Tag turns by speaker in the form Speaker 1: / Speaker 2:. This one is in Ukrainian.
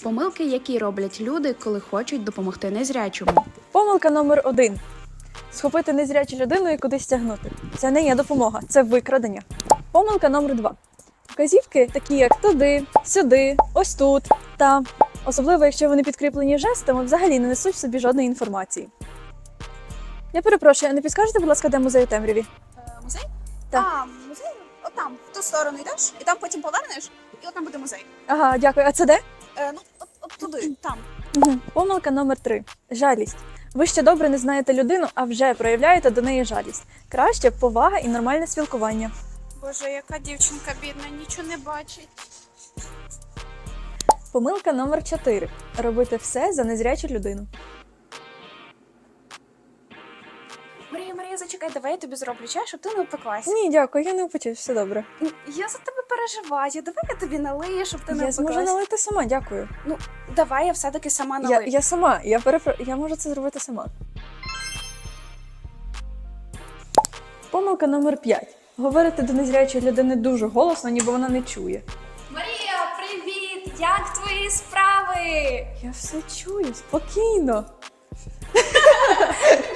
Speaker 1: Помилки, які роблять люди, коли хочуть допомогти незрячому.
Speaker 2: Помилка номер 1. Схопити незрячу людину і кудись тягнути. Це не є допомога, це викрадення. Помилка номер 2. Вказівки, такі як туди, сюди, ось тут, там. Особливо, якщо вони підкріплені жестами, взагалі не несуть в собі жодної інформації. Я перепрошую, а не підскажете, будь ласка, де музей у темряві?
Speaker 3: Музей?
Speaker 2: Так.
Speaker 3: Музей? Отам, в ту сторону йдеш, і там потім повернеш, і от там буде музей.
Speaker 2: Ага, дякую. А це де?
Speaker 3: От туди, там.
Speaker 2: Угу. Помилка номер 3. Жалість. Ви ще добре не знаєте людину, а вже проявляєте до неї жалість. Краще повага і нормальне спілкування.
Speaker 3: Боже, яка дівчинка бідна, нічого не бачить.
Speaker 2: Помилка номер 4. Робити все за незрячу людину.
Speaker 3: Марія, зачекай, давай я тобі зроблю чай, щоб ти не опеклася.
Speaker 2: Ні, дякую, я не опечусь, все добре.
Speaker 3: Я за тебе переживаю, давай я тобі налию, щоб ти не
Speaker 2: Я зможу
Speaker 3: опеклася.
Speaker 2: налити сама, дякую.
Speaker 3: Ну, давай я все-таки сама налию.
Speaker 2: Я сама, я можу це зробити сама. Помилка номер 5. Говорити до незрячої людини дуже голосно, ніби вона не чує.
Speaker 3: Марія, привіт! Як твої справи?
Speaker 2: Я все чую, спокійно.